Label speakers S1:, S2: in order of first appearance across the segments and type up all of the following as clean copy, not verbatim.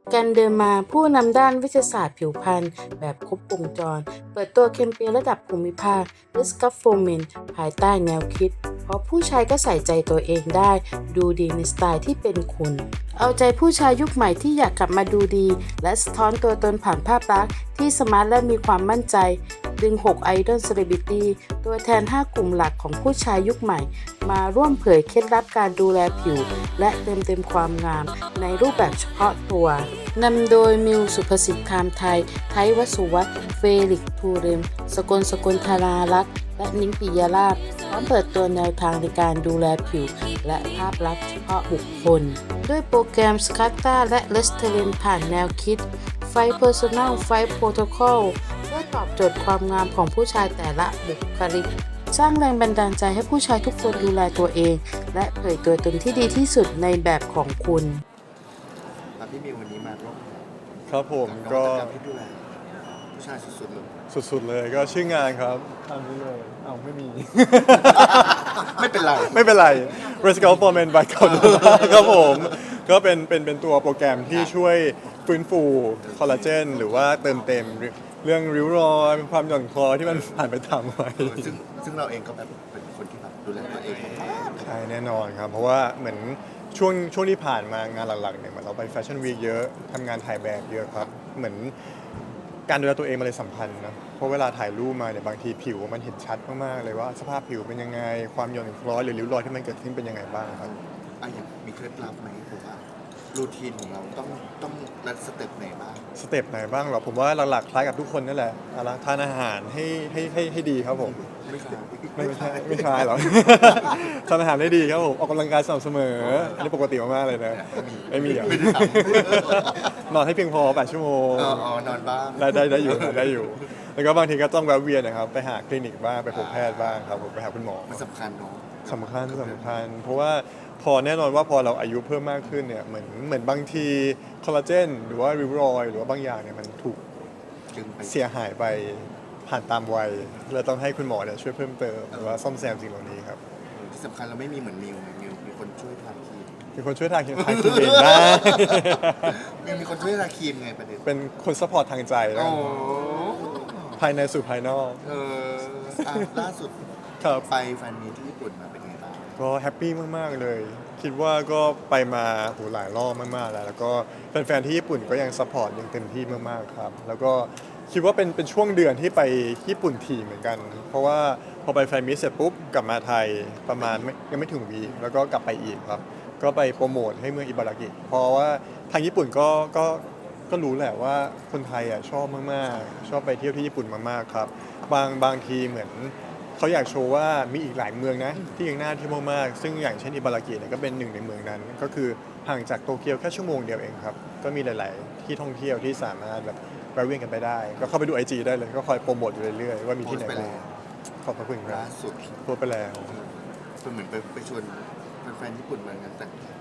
S1: กันเดินมาผู้นำด้านวิทยาศาสตร์ผิวพรรณแบบครบวงจรเปิดตัวแคมเปญระดับภูมิภาค Discover for Men ภายใต้แนวคิดเพราะผู้ชายก็ใส่ใจตัวเองได้ดูดีในสไตล์ที่เป็นคุณเอาใจผู้ชายยุคใหม่ที่อยากกลับมาดูดีและสะท้อนตัวตนผ่านภาพลักษณ์ที่สมาร์ทและมีความมั่นใจดึง6ไอดอลเซเลบริตี้ตัวแทน5กลุ่มหลักของผู้ชายยุคใหม่มาร่วมเผยเคล็ดลับการดูแลผิวและเติมเต็มความงามในรูปแบบเฉพาะตัวนำโดยมิวสุภสิทธิ์คามไทยไทยวสุวัฒน์เฟลิกซ์ภูริมสกลธารารักษ์และนิ้งปิยราชพร้อมเปิดตัวแนวทางในการดูแลผิวและภาพลักษณ์เฉพาะบุคคลด้วยโปรแกรมสคัตตาและเลสเทเลนผ่านแนวคิดไฟเพอร์ซันแลไฟโปรโตคอลเพื่อตอบโจทย์ความงามของผู้ชายแต่ละบุคลิกสร้างแรงบันดาลใจให้ผู้ชายทุกคนดูแลตัวเองและเผยตัวตนที่ดีที่สุดในแบบของคุณ
S2: พี่มิววันนี้มาร่วม
S3: ครับผม
S2: ก็
S3: ก็
S2: ที่ดูแลผู้ชายสุดๆเลย
S3: สุดๆเลยก็ชื่องานครับทำนี้เลยไม่มี
S2: ไม่เป็นไร
S3: ไม่เป็นไร Let's Go for Men by c a l d e r a ครับผมก็เป็นตัวโปรแกรมที่ช่วยฟื้นฟูคอลลาเจนหรือว่าเติมเต็มเรื่องริ้วรอยความหย่อนคล้อยที่มันผ่านไปทำไว้
S2: ซึ่งเราเองก็แบบเป็นคนที่แบบดูแลตัวเองมาก
S3: ใช่แน่นอนครับ เพราะว่าเหมือนช่วงที่ผ่านมางานหลักๆเนี่ยเหมือนเราไปแฟชั่นวีคเยอะทำงานถ่ายแบบเยอะครับเหมือนการดูแลตัวเองมันเลยสำคัญนะเพราะเวลาถ่ายรูปมาเนี่ยบางทีผิวมันเห็นชัดมากๆเลยว่าสภาพผิวเป็นยังไงความหย่อนคล้อยหรือริ้วรอยที่มันเกิดขึ้นเป็นยังไงบ้างครับ
S2: อย่างมีเคล็ดลับไหมผมว่ารูทีนของเราต้องรัดสเต็ปไหนบ้าง
S3: สเต็ปไหนบ้างเหรอผมว่าหลักๆคล้ายกับทุกคนนั่นแหละทานอาหารให้ดีครับผม
S2: ไม่คล้าย
S3: ไม่คล้ายหรอ ทานอาหารได้ดีครับผมออกกำลังกายสม่ำเสมออันนี้ปกติมากๆเลยนะไม่มีอ่ะ
S2: ไม่ได้ท
S3: นอนให้เพียงพอ8 ชั่วโมง
S2: นอนบ้าง
S3: ได้อยู่แล้วก็บางทีก็ต้องแวะเวียนนะครับไปหาคลินิกบ้างไปพบแพทย์บ้างครับผมไปหาคุณหมอ
S2: มันสำคัญเนาะ
S3: สำคัญเพราะว่าพอแน่นอนว่าพอเราอายุเพิ่มมากขึ้นเนี่ยเหมือนบางทีคอลลาเจนหรือว่าริ้วรอยหรือว่าบางอย่างเนี่ยมันถูกเสียหายไปผ่านตามวัยเราต้องให้คุณหมอเนี่ยช่วยเพิ่มเติมหรือว่าซ่อมแซมสิ่งเหล่านี้ครับ
S2: ที่สำคัญเราไม่มีเหมือนมิวมีคนช่วยทาครีม
S3: มีคนช่วยทาครีมเองได้
S2: มีคนช่วยทาครีมไงประเด็น
S3: เป็นคนซัพพอร์ตทางใจนะภายในสู่ภายนอก
S2: ล่าสุดไปแฟนมีที่ญี่ปุ่นมาเป็นไงบ้าง
S3: ก็แฮปปี้มากๆเลยคิดว่าก็ไปมาหลายรอบมากๆแล้วก็แฟนๆที่ญี่ปุ่นก็ยังซัพพอร์ตยังเต็มที่มากๆครับแล้วก็คิดว่าเป็นช่วงเดือนที่ไปญี่ปุ่นถี่เหมือนกันเพราะว่าพอไปแฟนมิตเสร็จปุ๊บกลับมาไทยประมาณยังไม่ถึงวีคแล้วก็กลับไปอีกครับก็ไปโปรโมทให้เมืองอิบารากิเพราะว่าทางญี่ปุ่นก็รู้แหละว่าคนไทยอ่ะชอบมากๆชอบไปเที่ยวที่ญี่ปุ่นมากๆครับบางทีเหมือนเขาอยากโชว์ว่ามีอีกหลายเมืองนะที่ยังน่าเที่ยวมากๆซึ่งอย่างเช่นอิบารากิเนี่ยก็เป็นหนึ่งในเมืองนั้นก็คือห่างจากโตเกียวแค่ชั่วโมงเดียวเองครับก็มีหลายๆที่ท่องเที่ยวที่สามารถแบบไปเวียนกันไปได้ก็เข้าไปดู IG ได้เลยก็คอยโปรโมทอยู่เรื่อยๆว่ามีที่ไหนบ้างขอบพระคุณครับ
S2: ล่าสุด
S3: โพสไปแล้ว
S2: เหมือนไปชวนแฟนๆญี่ปุ่นมากันแต่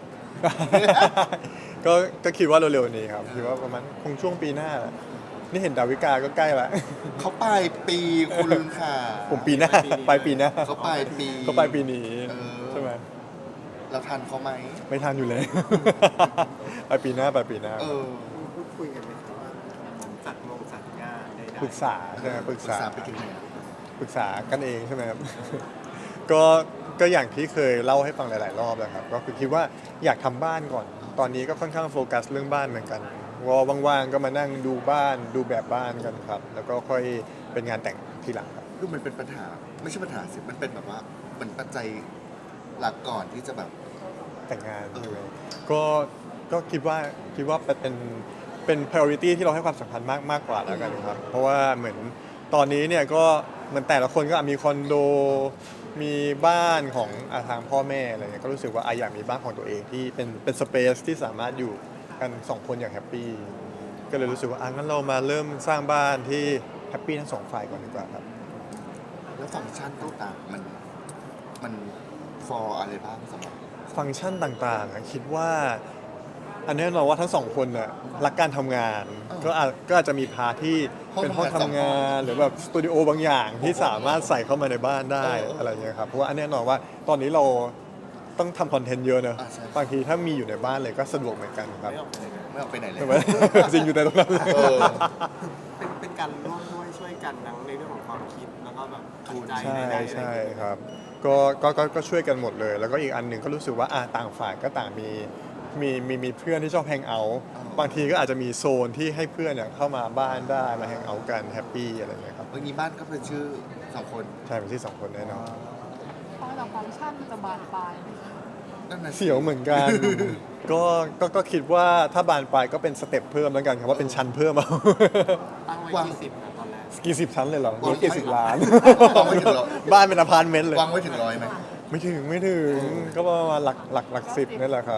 S3: ก็คิดว่าเร็วๆนี้ครับคิดว่าประมาณคงช่วงปีหน้านี่เห็นดาวิกาก็ใกล้ละ
S2: เขาปลายปีคุณค่ะ
S3: ผมปีหน้าปลายปีหน้า
S2: เขาปลาย
S3: ปีนี้ใช่ไหม
S2: เราทันเขาไหม
S3: ไม่ทันอยู่เลยปลายปีหน้า
S2: พูดคุยกันไหมครับว่าจัดงาน
S3: ปรึกษาใช่ไหมปรึกษา
S2: ไปถึงไหน
S3: ปรึกษากันเองใช่ไหมครับ ก็อย่างที่เคยเล่าให้ฟังหลายๆรอบแล้วครับก็คือคิดว่าอยากทำบ้านก่อนตอนนี้ก็ค่อนข้างโฟกัสเรื่องบ้านเหมือนกันว่างๆก็มานั่งดูบ้านดูแบบบ้านกันครับแล้วก็ค่อยเป็นงานแต่งทีหลังครับ
S2: คือมันเป็นปัญหาไม่ใช่ปัญหาสิมันเป็นแบบว่ามันปัจจัยหลักก่อนที่จะแบบ
S3: แต่งงานใช่ไหมก็คิดว่าเป็น priority ที่เราให้ความสำคัญมากกว่าแล้วกันครับเพราะว่าเหมือนตอนนี้เนี่ยก็เหมือนแต่ละคนก็มีคอนโดมีบ้านของทางพ่อแม่อะไรเงี้ยก็รู้สึกว่าอยากมีบ้านของตัวเองที่เป็นสเปซที่สามารถอยู่กัน2 คนอย่างแฮปปี้ก็เลยรู้สึกว่างั้นเรามาเริ่มสร้างบ้านที่แฮปปี้ทั้ง2 ฝ่ายก่อนดีกว่าครับ
S2: แล้วฟังก์ชันต่างๆมันฟอร์อะไรบ้างสำหรับ
S3: ฟังก์ชันต่างๆคิดว่าอันนี้เราว่าทั้ง2 คนน่ะรักการทำงานก็อาจจะมีพาร์ทที่เป็นห้องทำงานหรือแบบสตูดิโอบางอย่างที่สามารถใส่เข้ามาในบ้านได้อะไรเงี้ยครับเพราะว่าอันแน่นอนว่าตอนนี้เราต้องทำคอนเทนต์เยอะเนอะ
S2: อ่าใช่
S3: บางทีถ้ามีอยู่ในบ้านเลยก็สะดวกเหมือนกันครับ
S2: ไม่ออกไปไหนเลย
S3: ใช่ไหม จริงอยู่แต่ตรงนั้นเลย
S2: เออ
S4: เป็นการร่วมด้วยช่วยกันทั้งในเรื่องของความคิดแล้วก็แบบปัจจัย
S3: ใช่
S4: ใดๆ
S3: ใช่ครับก็ช่วยกันหมดเลย แล้วก็อีกอันหนึ่งก็รู้สึกว่าต่างฝ่ายก็ต่างมีเพื่อนที่ชอบแฮงเอาท์บางทีก็อาจจะมีโซนที่ให้เพื่อนเนี่ยเข้ามาบ้านได้มาแฮงเอาท์กันแฮปปี้อะไรอย่างเงี้ยครับ
S2: วันนี้บ้านก็เป็นชื่อ2 คน
S3: ใช่เป็นที่สองคนแน่นอน
S5: ฟังจากฟังก์ชันมันจะบานปลายไหม
S2: นั่นน่ะสิ
S3: เสียวเหมือนกัน ก็คิดว่าถ้าบานปลายก็เป็นสเต็ปเพิ่มแล้วกันครับว่าเป็นชั้นเพิ่มเอา
S4: ตั้งไว้ที่10นะตอนแรก
S3: กี่สิบชั้นเลยเหรอกี่สิบล้าน
S2: วางไว้ถึงร้อย
S3: บ้านเป็นอพาร์ตเมนต์เลยว
S2: างไว้ถึง100ไหม
S3: ไม่ถึงก็ประมาณหลักสิบนี่แหละครับ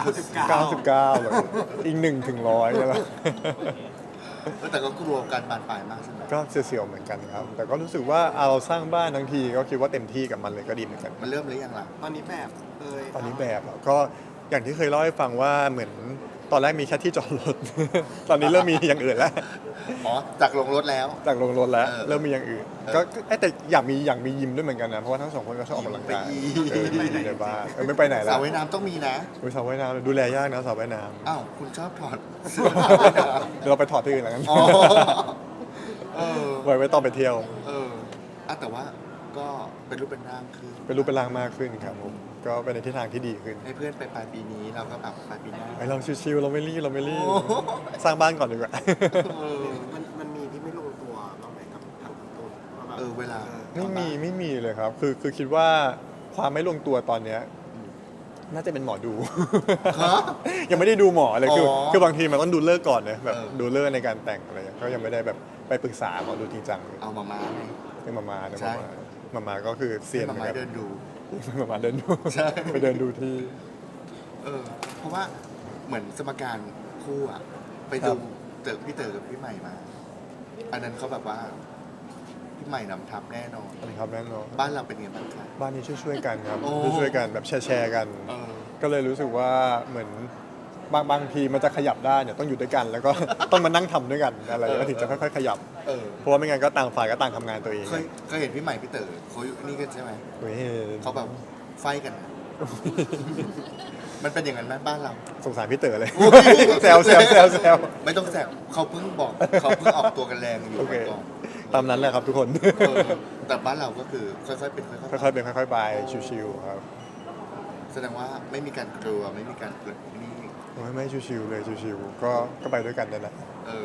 S4: 99
S3: 99เลยอีก1 ถึง 100นี่แหละ
S2: แต่ก็กลัวการบานปลายมากใช่ไหม
S3: ก็เสียวๆเหมือนกันครับ แต่ก็รู้สึกว่าเราสร้างบ้านทั้งทีก็คิดว่าเต็มที่กับมันเลยก็ดีเหมือนกัน
S2: มันเริ่มหรือยังล่ะ
S4: ตอนนี้แบบย
S3: ตอนนี้แบบอะก็อย่างที่เคยเล่าให้ฟังว่าเหมือนตอนแรกมีแค่ที่จอดรถ ตอนนี้เริ่มมีอย่างอื่นแล้ว
S2: อ๋อ จากลงรถแล้ว
S3: จากลงรถแล้ว
S2: เออ
S3: เริ่มมีอย่างอื่น ก็แต่อยากมียิมด้วยเหมือนกันนะเพราะว่าทั้งสองคนก็ชอบออกกำลังกาย
S2: ไปอีก
S3: อยู่ในบ้านไม่ไปไหน
S2: ส
S3: แล้
S2: ระ
S3: ว
S2: ว่ายน้ำต้องมีนะ
S3: สระว่ายน้ำดูแลยากนะสระว่ายน้
S2: อ้าว คุณชอบถอดเสื้อสระว่ายน้
S3: ำเดี๋ยวเราไปถอดที่อื่นแล้วกัน
S2: ำอ๋อ เออ
S3: ไว้ตอนไปเที่ยว
S2: เออแต่ว่าก็เป็นรูปเป็นร่างคือ
S3: เป็นรูปเป็นร่างมากขึ้นครับผมก็เป็นในทิศทางที่ดีขึ้น
S2: ให้เพื่อนไปปลายปีนี้เราก็แบบปลายปีหน้า
S3: ไอเราชิวๆเราไม่รีบ
S2: โอ้โห
S3: สร้างบ้านก่อนดีกว่า
S2: เออ
S4: มันมีที่ไม่ลงตัวบ้างไหมกับทางต้นว่าแบบ
S2: เวลา
S3: ไม่มีเลยครับ คือคิดว่าความไม่ลงตัวตอนเนี้ยน่าจะเป็นหมอดู
S2: ฮะ
S3: ยังไม่ได้ดูหมอเลยคือ
S2: อ๋อ
S3: คือบางทีมันต้องดูเลิกษ์ก่อนนะแบบ
S2: เออ
S3: ดูเลิกษ์ในการแต่งอะไรเงี้ยก็ยังไม่ได้แบบไปปรึกษาหมอดูจริงจังเลย
S2: เอามาไง
S3: เป็นมานะ
S2: ใช่
S3: มาก็คือเซียน
S2: ให้
S3: เหมื
S2: มา
S3: อนกัน
S2: เดินดู
S3: มาเดินดู
S2: ใช่
S3: ไปเดินดูที่
S2: เพราะว่าเหมือนสมการคู่อะไป
S3: ครั
S2: ดู
S3: บ
S2: พี่เต๋อกับพี่ใหม่มา อันนั้นเขาแบบว่าพี่ใหม่นำทัพแน่นอน
S3: อันนี้ครับแน่นอน
S2: บ้านเราเป็นไงบ้างคะ
S3: บ้านนี้ช่วยๆกันครับ
S2: โอ้
S3: ช่วยๆกันแบบแชร์กัน
S2: เออ
S3: ก็เลยรู้สึกว่าเหมือนบางทีมันจะขยับได้เนี่ยต้องอยู่ด้วยกัน แล้วก็ ต้องมานั่งทำด้วยกันอะไรก็ถึงจะค่อยๆขยับ
S2: เออ
S3: เพราะว่าไม่งั้นก็ต่างฝ่ายก็ต่างทำงานตัวเอง
S2: เคยเห็นพี่ใหม่พี่เต๋อเขาอยู่นี่กันใช่ไหม
S3: เฮ้ย
S2: เขาแบบไฟกันอะมันเป็นอย่างนั้นไหมบ้านเรา
S3: สงสารพี่เต๋อเลย
S2: โอ้ย
S3: แซว
S2: ไม่ต้องแซวเขาเพิ่งบอกเขาเพิ่งออกตัวกันแรงอยู่
S3: โอเค
S2: ก่อน
S3: ตามนั้นแหละครับทุกคน
S2: เออแต่บ้านเราก็คือค่อยๆเป็นค่อยๆไป
S3: ค่อยๆเป็นค่อยๆไปชิวๆครับ
S2: แสดงว่าไม่มีการกลัวไม่มีการเกิดนี่
S3: ไม่ชิวๆเลยชิวๆก็ไปด้วยกันนั่นแหละ
S2: เออ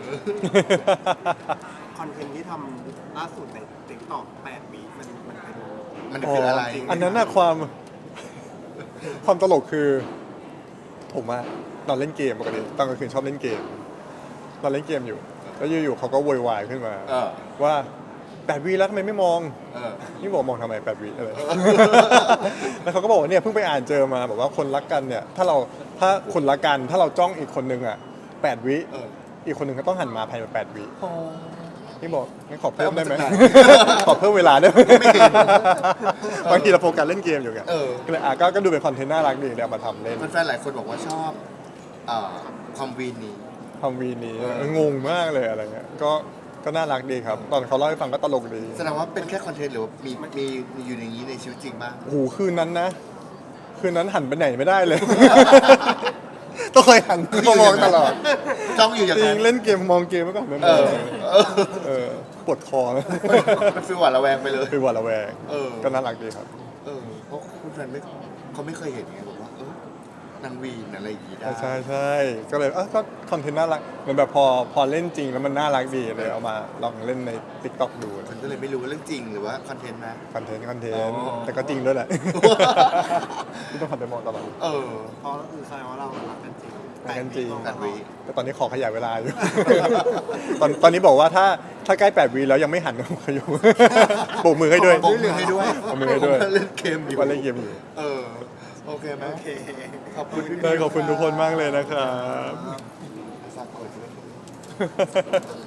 S4: คอนเทนต์ที่ทำล่าสุดในติ๊กต็อก8 วิมันเป็น
S2: มันคืออะไร
S3: อันนั้นน่ะความตลกคือผมอะนอนเล่นเกมปกติตอนกลางคืนชอบเล่นเกมนอนเล่นเกมอยู่ แล้วอยู่ๆเขาก็โวยวายขึ้นมา
S2: เออ
S3: ว่า8 วิแล้วทำไมไม่มอง
S2: เออ
S3: นี่บอกมองทำไม8 วิอะไร แล้วเขาก็บอกว่าเนี่ยเพิ่งไปอ่านเจอมาบอกว่าคนรักกันเนี่ยถ้าคนรักกันถ้าเราจ้องอีกคนนึงอ่ะ8 วิ
S2: เออ
S3: อีกคนนึงก็ต้องหันมาภายใน8 วิ
S2: โอ้
S3: นี่บอกงั้นขอเพิ่มได้ไหม
S2: เอามาจากไหน
S3: ขอเพิ่มเวลาได้ไหม
S2: ไม่เห็น
S3: บางทีเราโฟกัสเล่นเกมอยู่ไง
S2: เออ
S3: ก็เลยก็ดูเป็นคอนเทนต์น่ารักดีเลยเอามาทำเล่น
S2: แฟนๆหลายคนบอกว่าชอบความวีนนี้
S3: ทำวีนี้
S2: เออ
S3: งงมากเลยอะไรเงี้ยก็น่ารักดีครับ ตอนเขาเล่าให้ฟังก็ตลกดี
S2: แสดงว่าเป็นแค่คอนเทนต์หรือว่ามีอยู่ในนี้ในชีวิตจริงบ้าง
S3: โอ้โหคืนนั้นหันไปไหนไม่ได้เลย ต้องคอยหันมามองตลอด
S2: จ้องอยู่อย่าง
S3: จริ
S2: นั้
S3: ง
S2: น
S3: เล่นเกมมองเกมไว้ก่อนไม่
S2: เออ
S3: เออปวดคอนะ
S2: มันฟีลหวาดระแวงไปเลย
S3: เป็นหวาดระแวง
S2: เออ
S3: ก็น่ารักดีครับ
S2: เพราะคุณแฟนเขาไม่เคยเห็นไงบอกว่า นางวีนอะไรอย่างงี้ได้
S3: ใช่ก็เลยก็คอนเทนต์น่ารักเหมือนแบบพอเล่นจริงแล้วมันน่ารักดีเลยเอามาลองเล่นใน TikTok ดู
S2: มันก็เลยไม่รู้ว่าเรื่องจริงหรือว่าคอนเทนต์นะ
S3: คอนเทนต์
S2: อ๋อ
S3: แต่ก็จริงด้วยแหละ ที่ต้องหันไปมองตลอด
S4: เพราะก็คือแสดงว่าเรารักกันจริง
S3: รักกันจริง
S4: 8
S2: 8 วิ
S3: แต่ตอนนี้ขอขยายเวลาอยู่ ตอนนี้บอกว่าถ้าใกล้8 วิแล้วยังไม่หันก็ขยุ โบกมือให้ด้วย
S2: โบกมือให้ด้วย
S3: โบกมือให้ด้วย
S2: ผมว่าเล่นเกมอยู่
S3: ว่าเล่นเกมอยู่
S2: โอเคไหม
S4: โอเค
S2: ขอบคุณพี่
S3: เลยขอบคุณทุกคนมากเลยนะครับ
S2: ฝากกดด้วย